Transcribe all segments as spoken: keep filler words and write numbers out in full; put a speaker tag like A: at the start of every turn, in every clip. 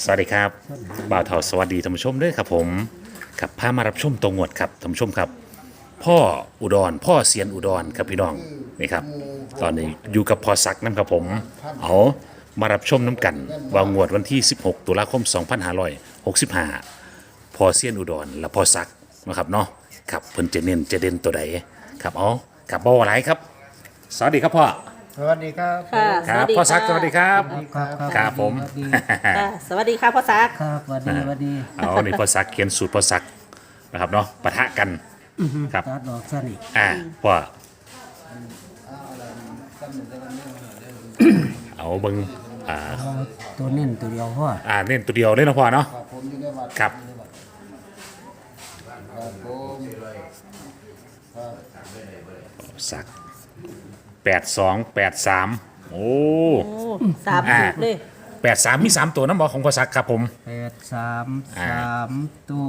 A: วัสดีครับบ่าวเทาสวัสดีท่านผู้ชมด้วยครับผมครับพามารับชมตรงงวดครับท่านผู้ชมครับพ่ออุดรพ่อเซียนอุดรครับพี่น้องนี่ครับตอนนี้อยู่กับพ่อศักดิ์น้ำครับผมเอามารับชมน้ำกันวางงวดวันที่สิบหกตุลาคมสองพันห้าร้อยหกสิบห้าพ่อเซียนอุดรและพ่อศักดิ์นะครับเนาะครับเพิ่นจะเน้นจะเด่นตัวใดครับเอาครับบ่าวอะไรครับสวัสดีครับพ่อ
B: สวัสดีครับ
C: ค่ะ
A: ครับพ่อศักดิ์สวัสดีครับ
B: ครับ
A: ครับผม
B: สวัสดี
C: ค่ะสวัสดีค่ะพ่อซัก
B: ครับสวัสดีสวัสดี
A: เอาในพ่อศักดิ์เขียนสูตรพ่อศักดิ์นะครับเนาะปะทะกันครับ
B: ตัดดอกสนิท
A: อ่าพ่อเอาเบิ่งอ่า
B: เอาตัวเน้นตัวเดียวพ่อ
A: อ่าเน้นตัวเดียวเลยนะพ่อเนาะครับศักดิ์แปดสองแปดสามโอ้
C: โอ้สามถูกเลย
A: แปดสามมีสามตัวน้ำบอกของพ่อศักดิ์ครับผม
B: แปดสามสามตัว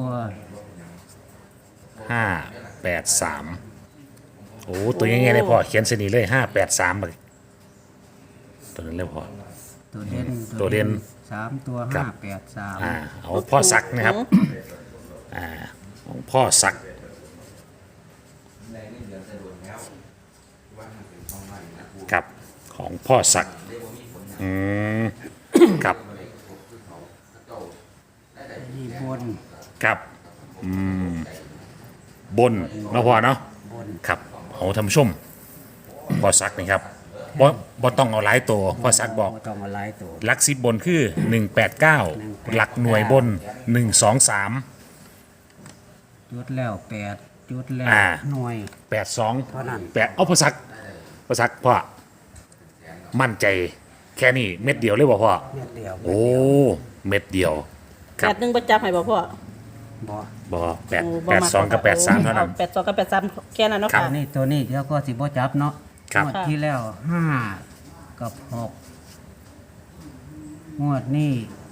A: ห้าแปดสามโอ้ตัวยังไงเลยพ่อเขียนเสนีเลยห้าแปดสามเลยตัวนั้นเลยพ่อ
B: ตัวเด่น
A: ตัวเด่น
B: สามตัว
A: ครั
B: ห้า
A: บ
B: แปดสาม
A: อ่าเอาพ่อศักดิ์นะครับอ่าของพ่อศักดิ์ครับของพ่อศักดิ์อืมครับ
B: นี่บน
A: ครับอืมบนเนาะพ่อเนาะครับเอาท่านผู้ชมพ่อศักดิ์นี่ครับบ่บ่ต้องเอาหลายตัวพ่อศักดิ์บอก
B: บ่ต้องมาไล่ตัว
A: หลักสิบบนคือหนึ่งแปดเก้าหลักหน่วยบนหนึ่งสองสาม
B: จุดแล้วแปดจุดแล้ว
A: อ่า
B: หน่วย
A: แปดสอง
B: เท่านั้น
A: แปดเอาพ่อศักดิ์พ่อศักดิ์พ่อมั่นใจแค่นี้เม็ดเดียวเลยบ่พ่อ
B: เม็ดเดียว
A: โอ้เม็ดเดียวค
C: แป
A: รับ
C: ดหนึ่งประจับให้บ่พ่อ
B: บ่
A: บ่แปด
C: โ
A: แปดสองกับแปดสามเท่านั้น
C: แปดสองกับแปดสามแค่นั้นเนาะ
A: ครั
C: ค่ะ
A: บ
B: นี่ตัวนี้เดี๋ยวก็สิบ่จับเนาะ
A: ครับ
B: งวดที่แล้วห้ากับหกงวดนี้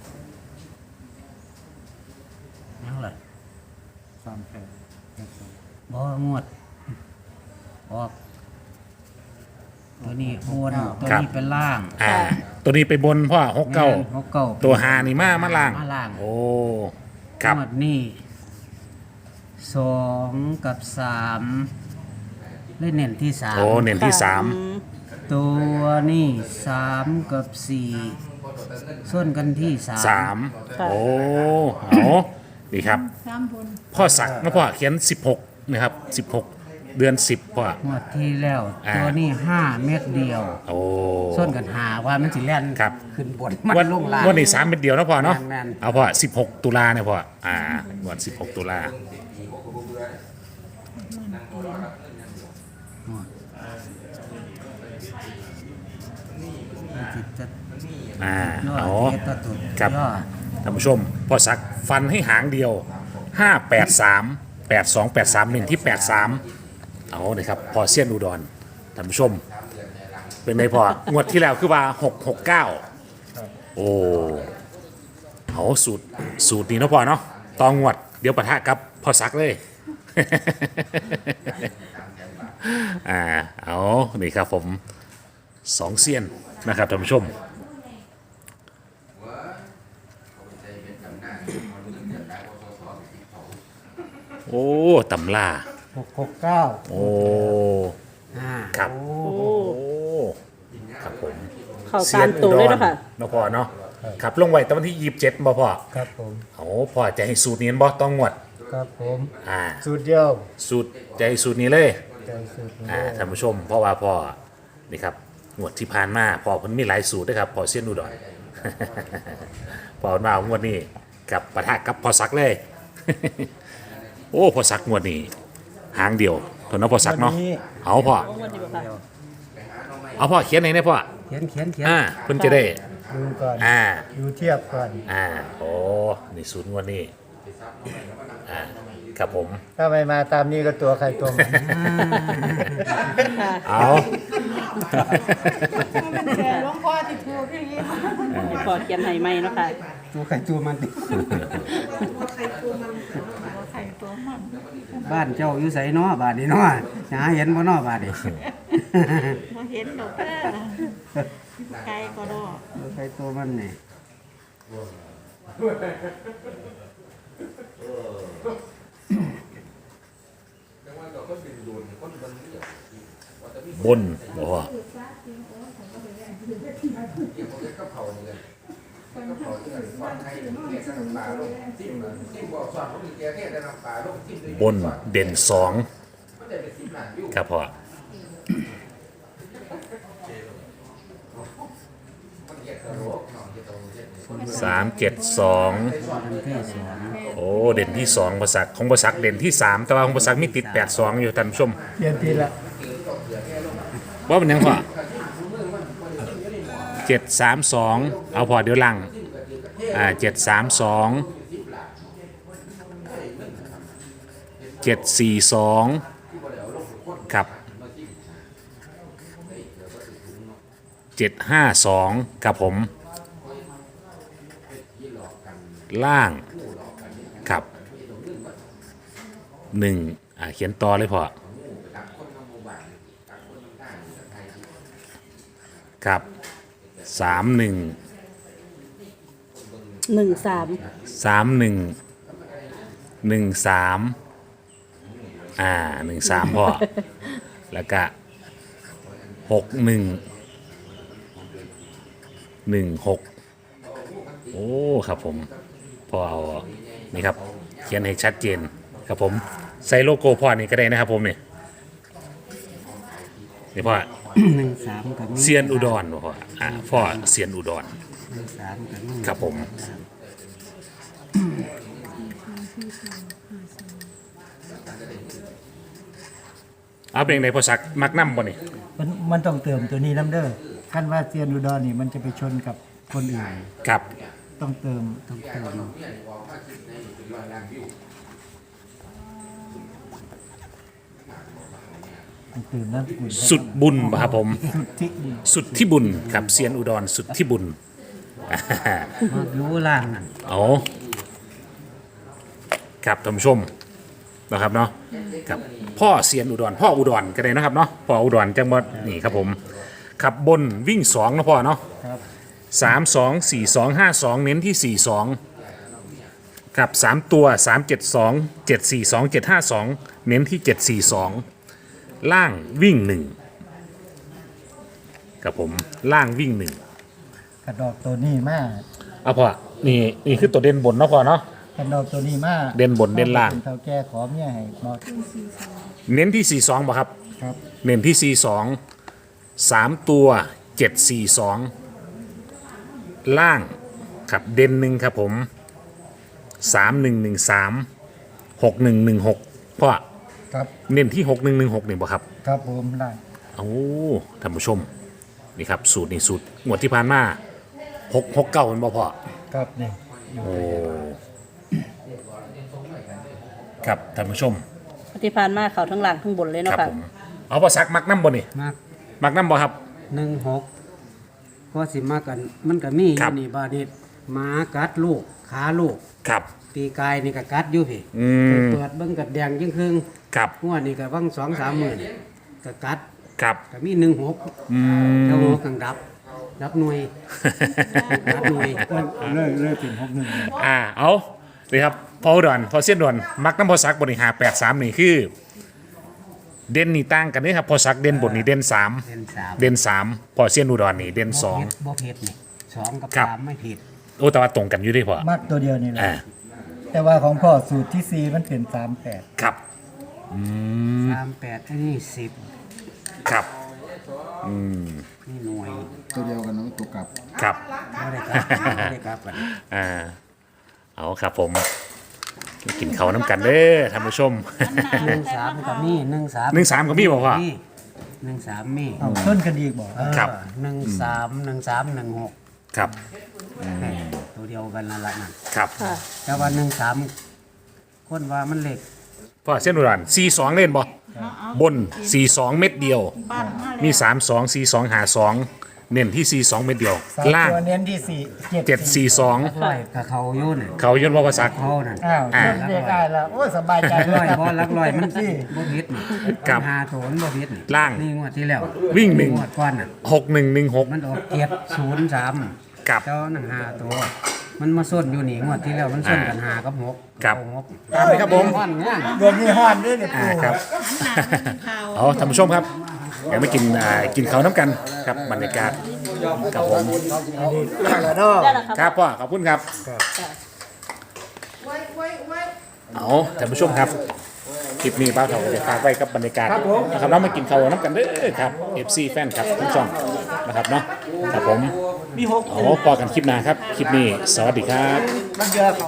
B: ยังไงสามแปดบ่งวดออกตัวนี้บนตัวนี้เป็นล่าง
A: อ่าตัวนี้ไปบนพ่อหกเก้า
B: แม่นหกเก้า
A: ตัวหานี่มามาล่าง
B: มาล่าง
A: โอ้ครับ
B: งวดนี้สองกับสามเล่นเน้นที่สาม
A: โอ้เน้นที่สาม
B: ตัวนี่สามกับสี่ส่วนกันที่สาม
A: สามโอ้เอาดีครับพ่อศักดิ์นะพ่อเขียนสิบหกนะครับสิบหกเดือนสิบพ่อง
B: วดที่แล้ว
A: อ่า
B: ตัวนี้ห้าเม็ดเดียว
A: โอ้
B: ส่วนกันหาว่ามันสิแล่น
A: ครับ
B: ขึ้นบนมัน
A: วัน
B: ลงล่าง
A: วันนี้สามเป็นเดียวนะพ่อเนาะ
B: แม่นๆ
A: เอาพ่อสิบหกตุลาเนี่ยพ่ออ่าวันสิบหกตุลา
B: จิตจะ
A: อ่า
B: ยอด
A: เอา
B: เอตตุด
A: ครับ
B: ยอด
A: ท่านผู้ชมพ่อศักดิ์ฟันให้หางเดียวห้าแปดสามแปดสองแปดสามหนึ่งที่แปดสามเอาเลยครับพ่อเซียนอุดรท่านผู้ชม เป็นไงพ่องวดที่แล้วคือว่าหกหกเก้าโอ้เอาสูตรสูตรนี้เนาะพ่อเนาะตองงวดเดี๋ยวปะทะกับพ่อศักดิ์เลย อ่าเอานี่ครับผมสองเซียนนะครับท่านผู้ชมโอ้ตำล่า
B: หกหกเก้า
A: โอ้
B: ห้า
A: ครับ
C: โอ้
A: โอ้ครับผม
C: เข้าสามตัวเลยเนาะค่ะ
A: เนาะพ่อเนาะครับลงไว้ตอนวันที่ยี่สิบเจ็ดบ่พ่อ
B: ครับผม
A: โอ้พ่อจะให้สูตรนี้บ่ต้องงวด
B: ครับผม
A: อ่า
B: สูตรเดียว
A: สูตรจะให้สูตรนี้เลย
B: ใจสูตรนี้
A: อ่าท่านผู้ชมเพราะว่าพ่อนี่ครับงวดที่ผ่านมาพ่อเพิ่นมีหลายสูตรด้วยครับพ่อเซียนอุดร พ่อมางวดนี้กับปะทะกับพ่อศักดิ์เลย โอ้พ่อศักดิ์งวดนี้หางเดียวเท่านั้นพ่อศักดิ์เนาะเอาพ่อ
C: โอ้วันนี้บ่ค่ะ
A: เอาพ่อเขียนไหนเนี่ยพ่อ
B: เขียนเขียนเขียน
A: อ่าเพิ่นจะได้
B: ดูก่อน
A: อ่า
B: ดูเทียบก่อน
A: อ่าโอ้นี่สูตรงวดนี้อ่าครับผม
B: ถ้าไม่มาตามนี้ก็ตัวใครตัวมัน
A: เอา
D: แต่หลวงพ่อที่ถูกที่นี้
C: ให้พ่อเขียนให้ใหม่เนาะค่ะ
B: ตัวใครตัวมัน
D: ใครตัวมันใครตัวมัน
B: บ้านเจ้าอยู่ไสเนาะบ้านนี้เนาะหาเห็นบ่เนาะบ้านนี้
D: มาเห็นดอกเด้อไกลก็ดอก
B: ตัวใครตัวมันนี่
A: บนบ่พ่อบบนเด่นสองครับพ่อสามเจ็ดสอง
B: อันที่สอง
A: โอ้เด่นที่สองประสักของประสักเด่นที่สามแต่ว่าของประสักมีติดแปดสองอยู่ท่านผู้ชม
E: เรียนทีละ
A: ว่าเป็นยังพ่อเจ็ดสามสองเอาพอเดี๋ยวลังอ่าเจ็ดสามสองเจ็ดสี่สองครับเจ็ดห้าสองครับผมล่างครับหนึ่งอ่าเขียนต่อเลยพอครับสามหนึ่ง
C: หนึ่งสาม
A: สามหนึ่งหนึ่งสามอ่าหนึ่งสามพ่อ แล้วก็หกหนึ่งหนึ่งหกโอ้ครับผมพอเอานี่ครับเขียนให้ชัดเจนครับผมใส่โลโก้พ่อนี่ก็ได้นะครับผมนี่นี่พ่อ
B: หนึ่งสามกับมี
A: เซียนอุดรพ่ออ่าพ่อเซียนอุดร
B: หนึ่งสามกับมี
A: ครับผมเอาเป็นไงพ่อสักมักน้ำบ่นี่
E: มันมันต้องเติมตัวนี้น้ำเด้อขั้นว่าเซียนอุดรนี่มันจะไปชนกับคนอื่น
A: ครับ
E: ต้องเติม
B: ต้องเติม
E: ต้องเติมน้ำกุล
A: สุดบุญบ่ครับผม
E: สุดที่บุญ
A: สุดที่บุญครับเซียนอุดรสุดที่บุญ
B: มาอยู่ล่างนั่น
A: เอาครับท่านผู้ชมนะครับเนาะครับพ่อเซียนอุดรพ่ออุดรก็ได้นะครับเนาะพ่ออุดรจังหวัดนี่ครับผมขับบนวิ่งสองนะพ่อเนาะ
E: ครับ
A: สามสองสี่สองห้าสองเน้นที่สี่สองครับสามตัวสามเจ็ดสองเจ็ดสี่สองเจ็ดห้าสองเน้นที่เจ็ดสี่สองล่างวิ่งหนึ่งครับผมล่างวิ่งหนึ่ง
E: กระดอกตัวนี้มา
A: เอาพ่อนี่นี่คือตัวเด่นบนเนาะพ่อเนาะ
E: กระดอกตัวนี้มา
A: เด่นบนเด่นล่าง
E: ป็เท่าแก่ขอเมียให้บอก
A: เน้นที่สี่สองป่ะครับ
E: ครับ
A: เน้นที่สี่สองสามตัวเจ็ดสี่สองล่างครับเด่นหนึ่งครับผมสามหนึ่งหนึ่งสามหกหนึ่งหนึ่งหกพ่อ
E: ครับ
A: เน้นที่หกหนึ่งหนึ่งหกนี่บ่ครับ
E: ครับผมได้
A: โอ้ท่านผู้ชมนี่ครับสูตรนี่สูตรงวดที่ผ่านมาหกหกเก้าเป็นบ่พ่อ
E: ครับนี่
A: โอ้ครับท่านผู้ชม
C: ที่ผ่านมาเขาทั้งหลังทั้งบนเลย
A: ค
C: เนาะ
A: รับ
C: ค่ะ
A: ผมเอาภาษามักน้ำบ่นี่
B: มาก
A: มักน้ำบ่ครับ
B: หนึ่งหกก็สิมากันมันก็มีอ
A: ครั
B: ยู่
A: บ
B: นี่บาดนี้หมากัดลูกขาลูก
A: ครับ
B: ปีกายนี่ก็กัดอยู่พี่
A: อืม
B: เปิดเบิ่งกัดแดงยิ่งครึ่ง
A: ครับ
B: งวดนี่ก็วังสองสามหมื่นก็กัด
A: ครับ
B: ก็มีหนึ่งหก
A: อืม
B: แล้วหกกังดับ ดับหน่วยดับหน่วย
E: เลิกเลิกเป็นหกหนึ่ง
A: อ่าเอาเลยครับพออุดอนพอเสี้ยนดอนมักน้ำพอสักบนนี่หาแปดสามนี่คือ เด่นนี่ตั้งกันนี่ครับพอสักเด่นบนนี่เด่นสาม
B: เป็นสาม
A: เด่นสามพอเสี้ยนอุดรนี่เด่นสอง
B: บ่ผิดนี่สองกับ
A: ครับ
B: สามไม่ผิด
A: โอ้แต่ว่าตรงกันอยู่ด้วยพอ
E: มากตัวเดียวนี่แหละ
A: อ่า
E: แต่ว่าของพ่อสูตรที่สี่มันเป็นสามแปด
A: ครับอืม
B: สามแปดอันนี้สิบ
A: ครับอืม
B: นี่หน่วย
E: ตัวเดียวกันน้องตัวกลับ
A: ครับ
B: ไม่ได้กลับไม่ได้กลับกัน
A: อ่าเอาครับผมกินเขาวน้ำกันเด้อท่านผู้ชม
B: หนึ่งสามกับมีหนึ่งสาม
A: หนึ่งสามกับมีบ่พ่อ
B: หนึ่งสามมี
E: เอาต้นกันดีกบอก
B: เออ
A: ครับ
B: หนึ่งสามหนึ่งสามหนึ่งหก
A: ครับ
B: ตัวเดียวกันนั่นละนั่น
A: ครับ
C: ค่ะ
B: แต่ว่าหนึ่งสามคนว่ามันเล็ก
A: พ่อเส้นอุดรสี่สองเล่นบ่บนสี่สองเม็ดเดียว มีสามสองสี่สองหาสองเน้นที่สี่สองเม็ดเดียว
E: สาม
A: ล่าง
E: ตัวเน้นที่สี่
A: เจ็ดสี่สอง
B: ร้อยกับเขาอยุ่น
A: เขายนว่าภาษา
B: เขานั่น
E: อ้าว
A: อ่า
E: เรียกได้แล้วโอ้ยสบายใจ
B: ลัก
E: เล
B: ร้อย
E: ย
B: เพราะลักร้อยมันสิบ่ผิดนี่
A: ครับ
B: หาโถนบ่ผิดนี่
A: ล่าง
B: นี่งวดที่แล้ว
A: วิ่งหนึ่ง
B: งวดก่อนน่ะ
A: หกหนึ่งหนึ่งหก
B: มันออกเจ็ดศูนย์สาม
A: กับ
B: เจ้าหนึ่งห้าตัวมันมาส้นอยู่นี่งวดที่แล้วมันส้นกันหากับหก
A: ครับ
B: เอาหก
A: ตามเลยครับผม
B: ก้อนเนี่ย
E: เดือนนี้ฮ้อนด้วยเนี่ย
A: อ่า
E: ปู
A: ครับ เอาท่านผู้ชมครับเดี๋ยวไปกินอ่ากินเขาวน้ำกันครับบรรยากาศครับผม
E: แล้วเนาะ
C: ได้แล้วครับ
A: ครับพ่อขอบคุณครับ เอาท่านผู้ชมครับคลิปนี้บ้าวเถาจะฝากไว้กับบรรยากาศนะครับเรามากินเขาวน้ำกันเด้อครับ เอฟ ซี แฟนครับทุกช่องนะครับเนาะครับผม
E: มีหก
A: เอาพอกันคลิปหน้าครับ คลิปนี้สวัสดีครับ
E: มันเยอะ